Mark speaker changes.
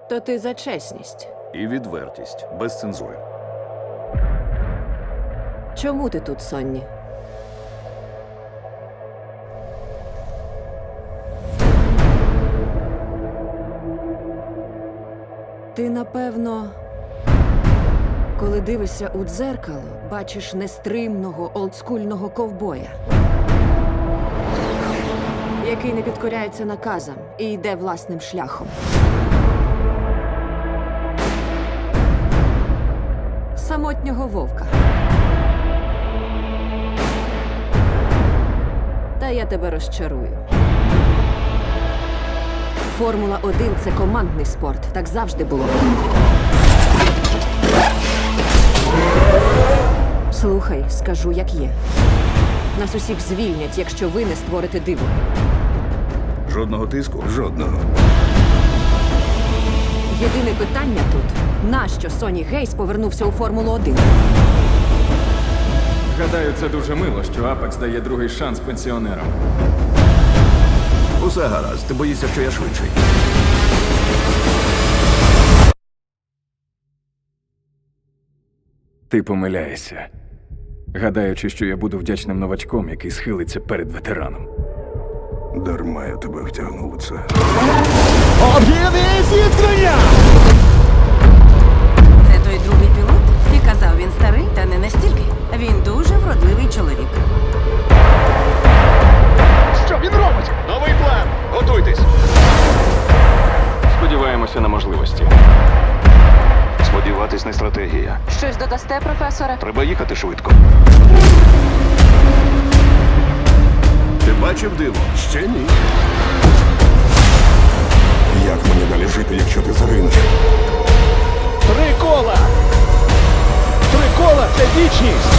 Speaker 1: То ти за чесність.
Speaker 2: І відвертість, без цензури.
Speaker 1: Чому ти тут, Сонні? Ти, напевно, коли дивишся у дзеркало, бачиш нестримного олдскульного ковбоя, який не підкоряється наказам і йде власним шляхом. Самотнього вовка. Та я тебе розчарую. Формула-1 – це командний спорт. Так завжди було. Слухай, скажу, як є. Нас усіх звільнять, якщо ви не створите диво.
Speaker 2: Жодного тиску?
Speaker 3: Жодного.
Speaker 1: Єдине питання тут – нащо Сонні Гейс повернувся у Формулу-1?
Speaker 4: Гадаю, це дуже мило, що Апекс дає другий шанс пенсіонерам.
Speaker 3: Усе гаразд, ти боїшся, що я швидший.
Speaker 4: Ти помиляєшся, гадаючи, що я буду вдячним новачком, який схилиться перед ветераном.
Speaker 3: Дарма я тебе втягнув у це.
Speaker 5: Об'єднує зіткнення!
Speaker 6: Це той другий пілот? Ти казав, він старий, та не настільки. Він дуже вродливий чоловік.
Speaker 5: Що він робить? Новий план! Готуйтесь!
Speaker 4: Сподіваємося на можливості.
Speaker 3: Сподіватись не стратегія.
Speaker 1: Щось додасте, професоре?
Speaker 3: Треба їхати швидко.
Speaker 2: Ти бачив диво?
Speaker 3: Ще ні. Як мені далі жити, якщо ти загинеш?
Speaker 5: 3 кола! 3 кола – це вічність!